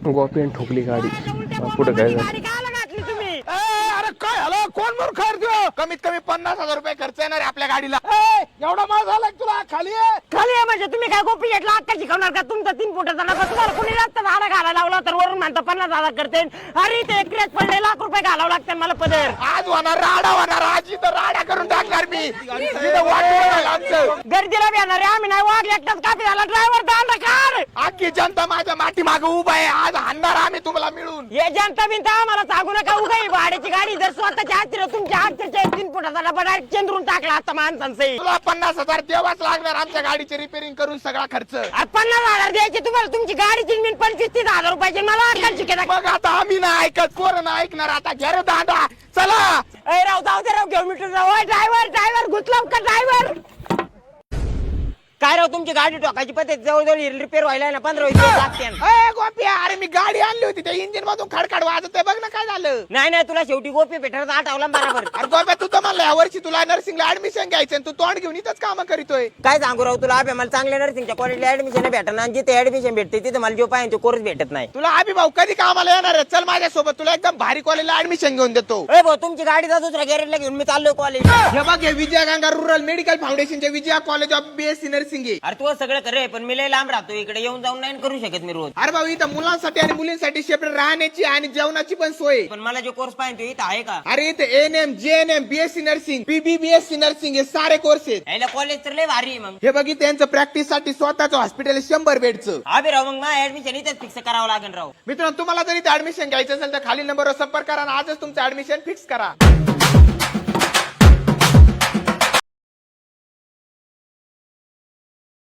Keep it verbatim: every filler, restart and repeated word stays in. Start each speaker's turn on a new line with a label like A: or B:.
A: गोपीन ठोकली गाडी. पुढे काय झालं?
B: अरे काय झालं? कोण मूर्ख आहे तू? कमीत कमी पन्नास हजार रुपये खर्च येणार आहे आपल्या गाडीला. एवढा माल झाला तुला? खाली आहे
C: खाली आहे म्हणजे तुम्ही काय गोपी घेतला अक्का शिकवणार का? तुमचा तीन फुटाचा नका तुम्हाला कोणी जास्त भाडा घालायला लावला तर वरून म्हणता पन्नास हजार करते. अरे ते एकरेच पडले लाख रुपये घालावं लागतात मला पदर.
B: आज होणार राडा होणार. आज इथं राडा करून टाकणार मी. इथं वाट बघायला आमचं.
C: गर्दीला बी येणार आहे आम्ही नाही वाघ एकटाच कापी झाला ड्रायव्हर दांडा काढ.
B: अख्खी जनता माझ्या माठी मागे उभा आहे. आज हाणणार आम्ही तुम्हाला मिळून.
C: हे जनता बिनता आम्हाला सांगू नका उगाई भाड्याची गाडी जर स्वतःच्या हाती तुमच्या हातच्या तीन फुटाचा डबा डायरेक्ट चेंदरून टाकला आता माणसांचे.
B: तुला पन्नास हजार देवाच लागणार आमच्या गाडीची रिपेअरिंग करून सगळा खर्च.
C: आ, पन्नास हजार द्यायचे तुम्हाला तुमची गाडीची मी पंचवीस तीस हजार रुपयाची मला अक्कल शिकायला.
B: मग आता आम्ही ना ऐकत पोरं ना ऐकणार. आता घ्या रे दांडा चला.
C: ए राव जाऊ दे राव घेऊ मीटर राव. ड्रायव्हर ड्रायव्हर घुसलाव का ड्रायव्हर? काय राव तुमची गाडी टोकायची पद्धत जवळजवळ रिपेअर व्हायला ना पंधरा वीस दिवस लागते.
B: ए गोपिया, अरे मी गाडी आणली होती त्या इंजिन मधून खडखड वाजत बघ ना काय झालं.
C: नाही नाही तुला शेवटी गोपी भेटणार आठवला बरोबर.
B: अरे गोप्या तू तर म्हणला या वर्षी तुला नर्सिंगला ऍडमिशन घ्यायचं तू तोंड घेऊन इथंच काम करीतोय.
C: काय सांगू राव तुला अभि मला चांगल्या नर्सिंगच्या कॉलेजला ऍडमिशन भेटणार आणि जिथे ऍडमिशन भेटते तिथे मला जो पाहिजे कोर्स भेटत नाही.
B: तुला अभि भाऊ कधी कामाला येणार आहे? चल माझ्यासोबत तुला एकदम भारी कॉलेजला ऍडमिशन घेऊन देतो.
C: ए भाऊ तुमची गाडी जा दुसऱ्या गॅरेजला घेऊन मी चाललोय कॉलेज.
B: हे बघ हे विजया गंगा रुरल मेडिकल फाउंडेशनचे Vijaya college of BSc nursing आहे.
C: अरे तू सगळं करे पण मी लय लांब राहतो इकडे येऊन जाऊन नाही करू शकत मी रोज.
B: अरे भाऊ इथं मुलांसाठी आणि मुलींसाठी सेपरेट राहण्याची आणि जेवणाची पण सोय.
C: पण मला जो कोर्स पाहिजे इथं आहे का?
B: अरे इथे N M J N M BSc nursing PBBSc nursing हे सारे कोर्स आहेत.
C: याला कॉलेज तर लय भारी आहे मग.
B: हे बघी त्यांचं प्रॅक्टिस साठी स्वतःचं हॉस्पिटल शंभर बेडचं.
C: अभि राव मग माझं ऍडमिशन इथेच फिक्स करावं लागेल राव.
B: मित्रांनो तुम्हाला जर इथे ऍडमिशन घ्यायचं असेल तर खाली नंबरवर संपर्क करा आणि आजच तुमचं ऍडमिशन फिक्स करा.